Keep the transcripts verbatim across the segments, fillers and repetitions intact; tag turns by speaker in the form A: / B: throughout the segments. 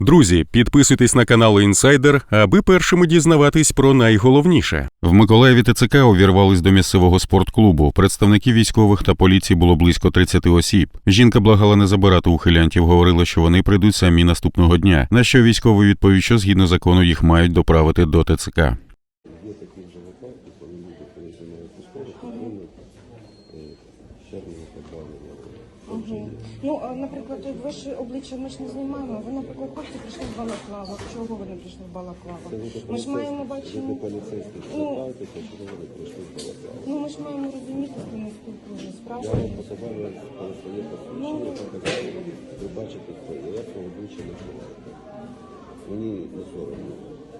A: Друзі, підписуйтесь на канал Інсайдер, аби першими дізнаватись про найголовніше. В Миколаєві ТЦК увірвались до місцевого спортклубу. Представників військових та поліції було близько тридцяти осіб. Жінка благала не забирати ухилянтів, говорила, що вони прийдуть самі наступного дня. На що військовий відповів, що згідно закону їх мають доправити до ТЦК.
B: Є такі вже випадки, коли люди переживають військових, отримують червоне позбавлення.
C: Ну, а, наприклад, ви ж обличчя ми ж не знімаємо. Ви, наприклад, хлопці прийшли в балаклавах. Чого ви не прийшли в балаклавах? Ми ж маємо бачити.
B: Ви поліцейські звертаєтеся, чого ви не прийшли в балаклавах?
C: Ну, ми ж маємо розуміти, що ми спілкуємося.
B: Я
C: Справді.
B: вам показав коли своє посвідчення, показав, ви бачите, хто є. Я свого обличчя не ховаєте. Мені не соромно.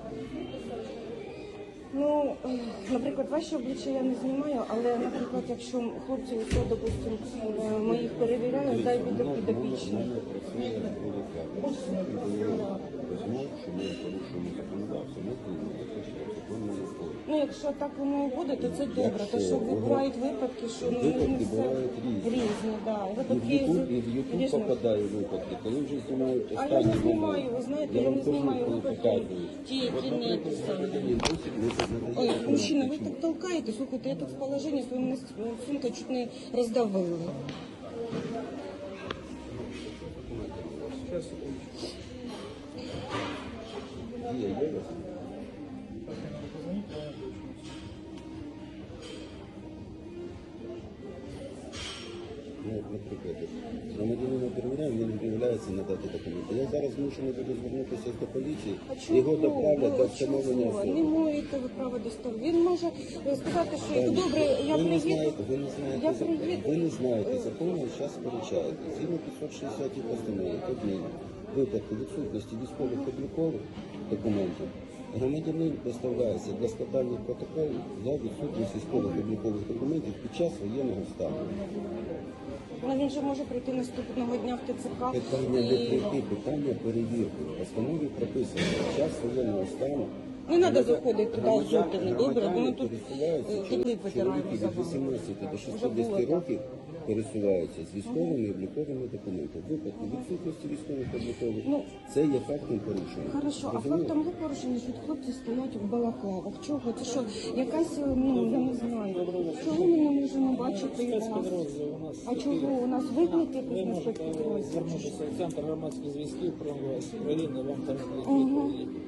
C: Ну, е, наприклад, ваші обличчя я не знімаю, але, наприклад, якщо хлопці, то, допустимо, е, ми їх перевіряють, дай буде підопічний. Ну, якщо так воно і буде, то це добре. То що бувають випадки, що ну, не
B: Випадки
C: все
B: бувають різні.
C: різні, да.
B: І в
C: Випадки
B: Ютуб, і в Ютуб
C: різні.
B: попадає випадки, коли вже знімають
C: А
B: останні
C: я не знімаю,
B: моменти.
C: ви знаєте,
B: Я
C: я
B: вам
C: не
B: кажу,
C: знімаю
B: коли
C: випадки,
B: показую.
C: ті, які
B: От,
C: не
B: наприклад,
C: ті самі.
B: Володимир Бусик не задається
C: Ой,
B: на
C: мужчина, ви
B: причину.
C: так толкаєте, слухайте, я тут в положенні, свою мене сумка чуть не роздавили.
B: Є, є у вас? Ну, от, наприклад, громадянина перевіряємо, він відмовляється надати документи. Я зараз змушений буду звернутися до поліції,
C: А чого?
B: його доправлять до
C: Ви
B: встановлення
C: чого? Не
B: особи.
C: маєте ви права доставити. Він може сказати, що
B: Так,
C: добре, я
B: ви не
C: приїду.
B: знаєте, ви не знаєте,
C: Я
B: закон.
C: приїду.
B: Ви не знаєте закону, і зараз сперечаєте. Згідно п'ятсот шістдесятій постанови, Кабміну, випадку відсутності військових облікових документів, громадянин доставляється для складання протоколів за відсутність військових облікових документів під час воєнного стану.
C: Ну, він же може прийти наступного дня в ТЦК.
B: Питання не
C: і...
B: прийти, питання перевірки. В постанові прописано, під час воєнного стану
C: Не треба заходити туди озутими, добре? Бо ми тут
B: пересуваються,
C: е, тільки витираємо
B: чоловіки
C: за
B: від
C: вами.
B: вісімнадцяти до
C: Вже було
B: шістдесяти
C: так.
B: років пересуваються з військовими і обліковими документами. В випадку відсутності військових облікових
C: Ну,
B: це є фактом порушення.
C: Хорошо, а
B: Розумієте?
C: фактом є порушення, що хлопці стоять в балаклавах. Чого? Це що, якась, ну, я не знаю. Чого ми не можемо бачити вас? А чого? У нас виклик якийсь на спецпідрозділ?
D: Звернутися в центр громадських зв'язків про України, вам там
C: Ага.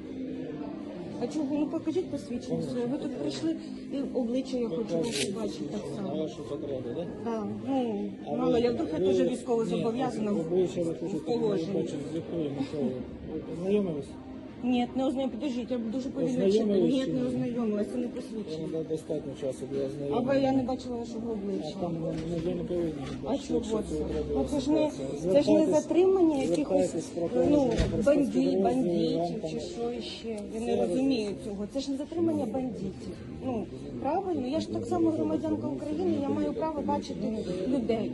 C: А чого? Ну покажіть посвідчення своє. Ви тут прийшли і обличчя я хочу вас побачити так
D: на
C: само.
D: вашу потребу, так?
C: Так, ну, мало ли, а вдруг я теж військово зобов'язана в
D: Обличчя ви
C: в
D: хочете, ви
C: положенні.
D: хочете з якою метою? Ви познайомились?
C: Ні, не ознайомилась. Подождіть, я дуже повільно читаю.
D: Ознайомились
C: Ні,
D: чи
C: не
D: ні?
C: ознайомилася, це не
D: Вам
C: посвідчення.
D: дає достатньо часу для
C: А
D: ознайомлення.
C: ви, я не бачила вашого
D: А
C: обличчя.
D: там ну, ви не повинні
C: А
D: бачити,
C: чого
D: якщо
C: це?
D: треба
C: Ну це ж не,
D: ситуація.
C: це ж не
D: Звертайтесь-
C: затримання якихось
D: звертайтесь про
C: ну,
D: порушення про
C: бандит,
D: спецпідрозділ,
C: бандитів
D: вам там-
C: чи що ще. Я не розумію цього. Це ж не затримання бандитів. Ну, правильно? Я ж так само громадянка України, я маю право бачити людей.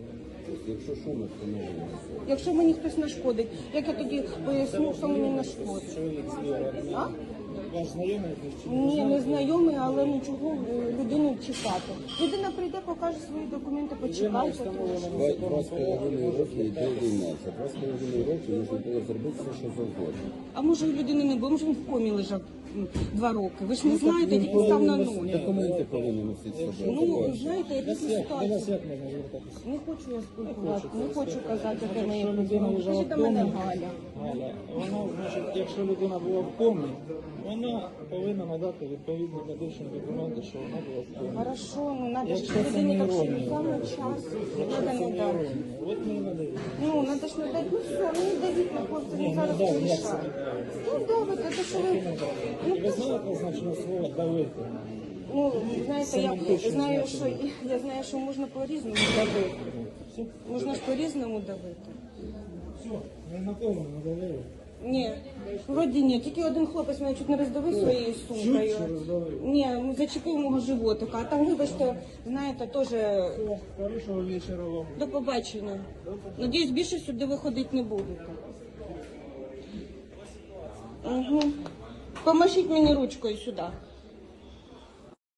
B: Якщо що, ми встановлюємо.
C: Якщо мені хтось нашкодить, як я тоді поясню, що мені нашкодить?
D: Чоловік зліва.
C: А?
D: Ваш знайомий чи не
C: Ні, не знайомий, але ну чого е, людину чекати? Людина прийде, покаже свої документи, почекайте.
B: Два, два з половиною роки йде війна. За два з половиною роки можна було зробити все, що завгодно.
C: А може у людини не було, може він в комі лежав м, два роки. Ви ж не знаєте, тільки став на ноги.
B: Документи повинні носити з собою.
C: Ну, знаєте, різні
D: До вас
C: ситуації.
D: як можна звертатися?
C: Не хочу я спілкуватися, не хочу казати, яке моє
D: Якщо людина
C: проблеми.
D: лежала
C: Скажіть
D: в
C: до мене
D: комі,
C: Галя.
D: Галя, вона, значить, якщо людина була в комі, вона повинна надати відповідні медичні документи, що вона була в комі.
C: Хорошо, ну надо ж
D: Якщо це
C: людині
D: не
C: так що
D: іронія.
C: саме час.
D: Якщо
C: Надо
D: це
C: не
D: не
C: дати.
D: іронія, от ми і надаємо.
C: Ну, надо ж не дати. Ну все, ну не давіть на хлопця,
D: Ні,
C: він
D: не
C: зараз
D: дав, як
C: порішає.
D: це не дав?
C: Ну давайте, то що ви... Ну,
D: Ви знаєте значне слово давити?
C: Ну, знаєте, я
D: Семантично
C: знаю, що
D: значення.
C: я знаю, що можна по-різному давити. Можна ж по-різному давити.
D: Все, ми на кому надавили.
C: Ні, вроді ні. Тільки один хлопець мене чуть не роздавив своєю сумкою.
D: Чуть чи роздавив?
C: Ні, зачепив мого животика. А там, вибачте, знаєте, теж
D: Все, хорошого вечора вам.
C: до побачення. Надіюсь, більше сюди виходити не будете. Угу. Помашіть мені ручкою сюди.